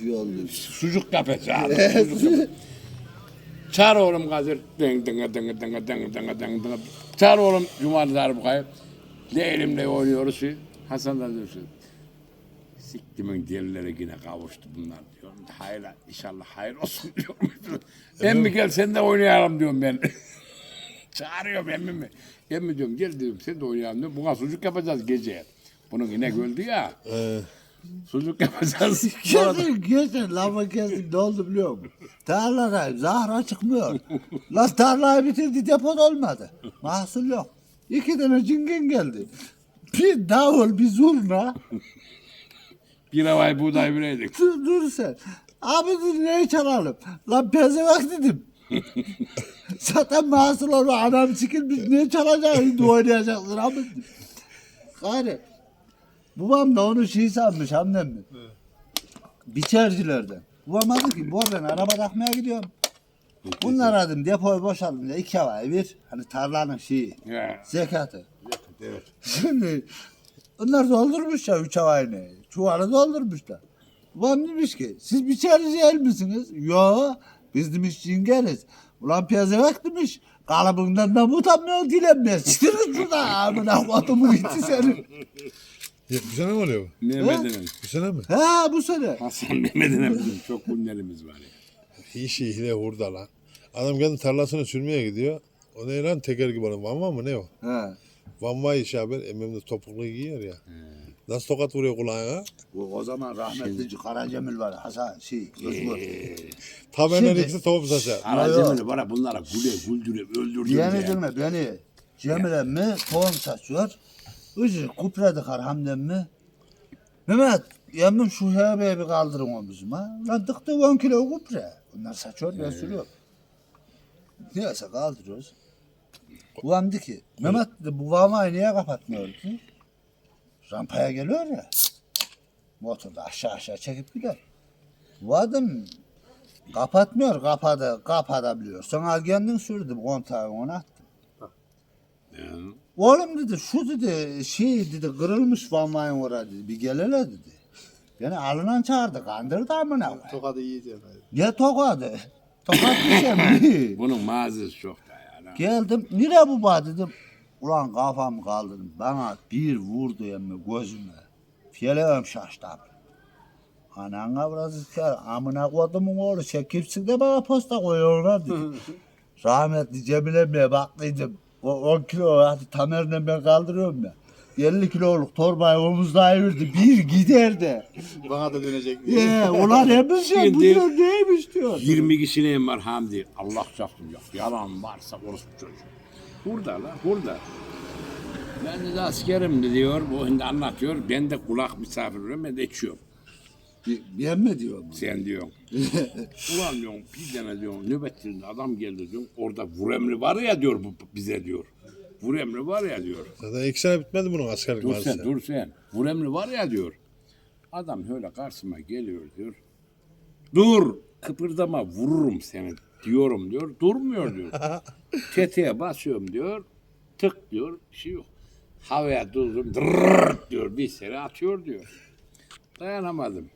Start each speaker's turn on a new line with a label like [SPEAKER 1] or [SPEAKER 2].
[SPEAKER 1] iyi oldu.
[SPEAKER 2] Sucuk yapacağız. Çağır oğlum Kadir. Ding ding ding ding ding ding ding ding. Çağır oğlum Cumali Darbukay'ı. Leylimle oynuyoruz. Hasan da diyor ki, siktimin delileri yine kavuştu bunlar diyor. Hayır inşallah hayır olsun diyor. Emmi gel sen de oynayalım diyorum ben. Çağırıyorum emmimi. Emmi diyorum gel diyorum sen de oynayalım diyorum. Buna sucuk yapacağız gece. Bunun inek öldü ya. Sucuk yapacağız.
[SPEAKER 1] Geçen lafı kestim ne oldu biliyor musun? Tarladayım zahra çıkmıyor. Lan tarlayı bitirdi depot olmadı. Mahsul yok. 2 tane cingen geldi. Bir davul bir zurna.
[SPEAKER 2] Bir havay buğday bireydik.
[SPEAKER 1] Dur sen. Abi dur neyi çalalım? Lan pezevak dedim. Zaten mahsul olma anam sikilmiş ne çalacaksın oynayacaksın abi dedim. Gari. Babam da onu şey sanmış annem mi? Biçercilerden. Babam dedi ki ben araba takmaya gidiyorum. Bunlar dedim depoyu boşaldım diye 2 havayı bir. Hani tarlanın şeyi. Zekatı.
[SPEAKER 2] Evet.
[SPEAKER 1] Şimdi onlar doldurmuş ya 3 havayını. Çuvalı doldurmuşlar. Babam demiş ki siz biçerici el misiniz? Yo biz demiş cingeriz. Ulan piyazevak demiş. Kalıbından da utanmıyor dilenmez. Çıtır şurada amına kodumu gitti senin.
[SPEAKER 3] Bu sene mi oluyor bu?
[SPEAKER 2] Mehmet'in.
[SPEAKER 3] Bu sene mi?
[SPEAKER 1] Ha bu sene.
[SPEAKER 2] Hasan Mehmet'in bizim çok günlerimiz var ya.
[SPEAKER 3] İşi hile hurda lan. Adam kendi tarlasını sürmeye gidiyor. O ne lan teker gibi olan vanva mı ne o?
[SPEAKER 1] Ha.
[SPEAKER 3] Vanva işi haber. Emmim de topuklu giyiyor ya. Nasıl tokat vuruyor kulağına?
[SPEAKER 1] O zaman rahmetli Karacemil var. Hasan Özgür.
[SPEAKER 3] Taberner
[SPEAKER 1] Şimdi-
[SPEAKER 3] ikisi top saçar.
[SPEAKER 2] Aracımını bana bunlara güldürüp öldürdüm
[SPEAKER 1] Yenilme beni. Cemil emmi tohum saçıyor. Üzü kupredik hamdem mi? Mehmet emmim şu hebeyi bir kaldırın omuzuma. Lan dıktı 10 kilo kupre. Bunlar saçıyor ben sürüyorum. Neyse kaldırıyoruz. Babam dedi ki Mehmet dedi bu vamayı niye kapatmıyor ki? Rampaya geliyor ya. Motorda aşağı çekip gider. Bu adam kapatmıyor kapatabiliyor. Sonra kendin sürdüm kontağı ona attım. Oğlum dedi şu dedi şey dedi kırılmış vamayın orada dedi bir gel hele dedi. Beni alınan çağırdı kandırdı amına koyayım.
[SPEAKER 4] Tokadı yiyeceğim.
[SPEAKER 1] Ne tokadı? Tokat diyeceğim.
[SPEAKER 2] Bunun mağazası çok da ya.
[SPEAKER 1] Geldim nereye bu bağ dedim. Ulan kafamı kaldırdım. Bana bir vurdu emmi gözüme. Fiyelevem şaştı abi. Anana biraz isker. Amına kodumun oğlu çekipsin de bana posta koyuyorlar dedi. Rahmetli Cemil emmiye baktıydım. O 10 kilo hadi Tamer'le ben kaldırıyorum ya. 50 kiloluk torbayı omuzlayıverdi. Bir gider de.
[SPEAKER 4] Bana da dönecek diye.
[SPEAKER 1] Ulan emmiş ya bu
[SPEAKER 2] Şimdi-
[SPEAKER 1] diyor neymiş diyor.
[SPEAKER 2] 20 kişinin var Hamdi. Allah çarpsın yok. Yalan varsa orospu çocuğu. Burada lan burada. Ben de askerim diyor. Bu şimdi anlatıyor. Ben de kulak misafirim. Ben de içiyorum.
[SPEAKER 1] Ben mi diyorum?
[SPEAKER 2] Sen diyorsun. Ulan diyorum bir tane diyorum nöbetçinde adam geldi diyorum. Orada vuremli var ya diyor bu bize diyor. Vuremli var ya diyor.
[SPEAKER 3] Zaten 2 sene bitmedi bunun askerlik
[SPEAKER 2] Dur
[SPEAKER 3] maalesef.
[SPEAKER 2] sen dur sen. Vuremli var ya diyor. Adam öyle karşıma geliyor diyor. Dur kıpırdama vururum seni diyorum diyor. Durmuyor diyor. Tetiğe basıyorum diyor. Tık diyor. Bir şey yok. Havaya durdum. Dırrrrt diyor. Bir sene atıyor diyor. Dayanamadım.